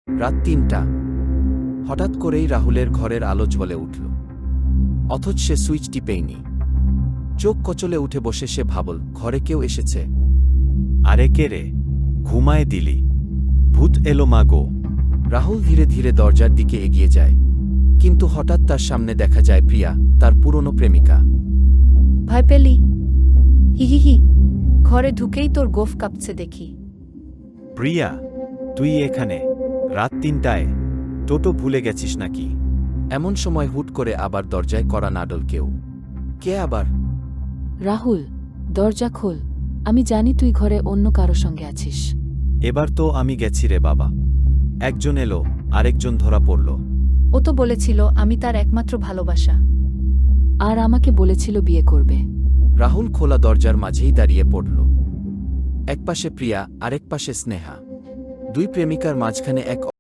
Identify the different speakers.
Speaker 1: রাত ৩টা। হঠাৎ করেই রাহুলের ঘরের আলো জ্বলে উঠল। অথচ সে সুইচ টিপেইনি। চোখ কচলে উঠে বসে সে ভাবল, ঘরে কেউ এসেছে।
Speaker 2: আরে কে রে? ঘুমায় দিলি? ভূত এলো মা গো।
Speaker 1: রাহুল ধীরে ধীরে দরজার দিকে এগিয়ে যায়, কিন্তু হঠাৎ তার সামনে দেখা যায় প্রিয়া, তার পুরনো প্রেমিকা।
Speaker 3: ভয় পেলি? হিহিহি, ঘরে ঢুকেই তোর গোফ কাঁপছে দেখি।
Speaker 2: প্রিয়া, তুই এখানে রাত ৩টায়? টোটো ভুলে গেছিস নাকি?
Speaker 1: এমন সময় হুট করে আবার দরজায় কড়া নাড়ল কেউ। কে আবার?
Speaker 4: রাহুল, দরজা খোল। আমি জানি তুই ঘরে অন্য কারো সঙ্গে আছিস।
Speaker 2: এবার তো আমি গেছি রে বাবা। একজন এলো, আরেকজন ধরা পড়ল।
Speaker 3: ও তো বলেছিল আমি তার একমাত্র ভালোবাসা।
Speaker 4: আর আমাকে বলেছিল বিয়ে করবে।
Speaker 1: রাহুল খোলা দরজার মাঝেই দাঁড়িয়ে পড়ল। একপাশে প্রিয়া, আরেক পাশে স্নেহা। দুই প্রেমিকার মাঝখানে এক